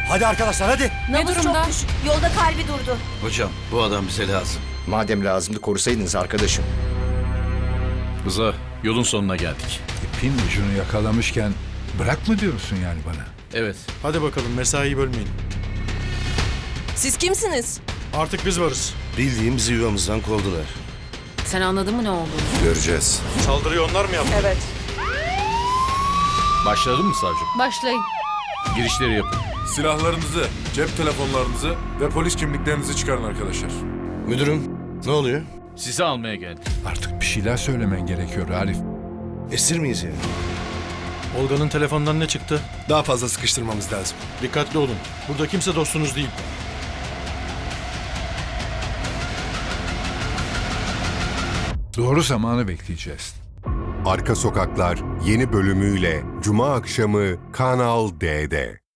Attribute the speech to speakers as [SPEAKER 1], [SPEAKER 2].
[SPEAKER 1] Hadi arkadaşlar hadi.
[SPEAKER 2] Ne durumda?
[SPEAKER 3] Çok düşük. Yolda kalbi durdu.
[SPEAKER 4] Hocam bu adam bize lazım.
[SPEAKER 5] Madem lazımdı korusaydınız arkadaşım.
[SPEAKER 6] Rıza, yolun sonuna geldik.
[SPEAKER 7] İpin ucunu yakalamışken bırak mı diyorsun yani bana?
[SPEAKER 6] Evet.
[SPEAKER 1] Hadi bakalım mesaiyi bölmeyin.
[SPEAKER 2] Siz kimsiniz?
[SPEAKER 1] Artık biz varız.
[SPEAKER 4] Bildiğimizi yuvamızdan kovdular.
[SPEAKER 2] Sen anladın mı ne olduğunu?
[SPEAKER 4] Göreceğiz.
[SPEAKER 1] Saldırıyı onlar mı yaptı?
[SPEAKER 2] Evet.
[SPEAKER 6] Başladın mı savcım?
[SPEAKER 2] Başlayın.
[SPEAKER 6] Girişleri yapın.
[SPEAKER 8] Silahlarınızı, cep telefonlarınızı ve polis kimliklerinizi çıkarın arkadaşlar.
[SPEAKER 4] Müdürüm ne oluyor?
[SPEAKER 6] Sizi almaya geldik.
[SPEAKER 7] Artık bir şeyler söylemen gerekiyor Arif.
[SPEAKER 4] Esir miyiz yani?
[SPEAKER 1] Olga'nın telefonundan ne çıktı?
[SPEAKER 8] Daha fazla sıkıştırmamız lazım.
[SPEAKER 1] Dikkatli olun. Burada kimse dostunuz değil.
[SPEAKER 7] Doğru zamanı bekleyeceğiz.
[SPEAKER 9] Arka Sokaklar yeni bölümüyle Cuma akşamı Kanal D'de.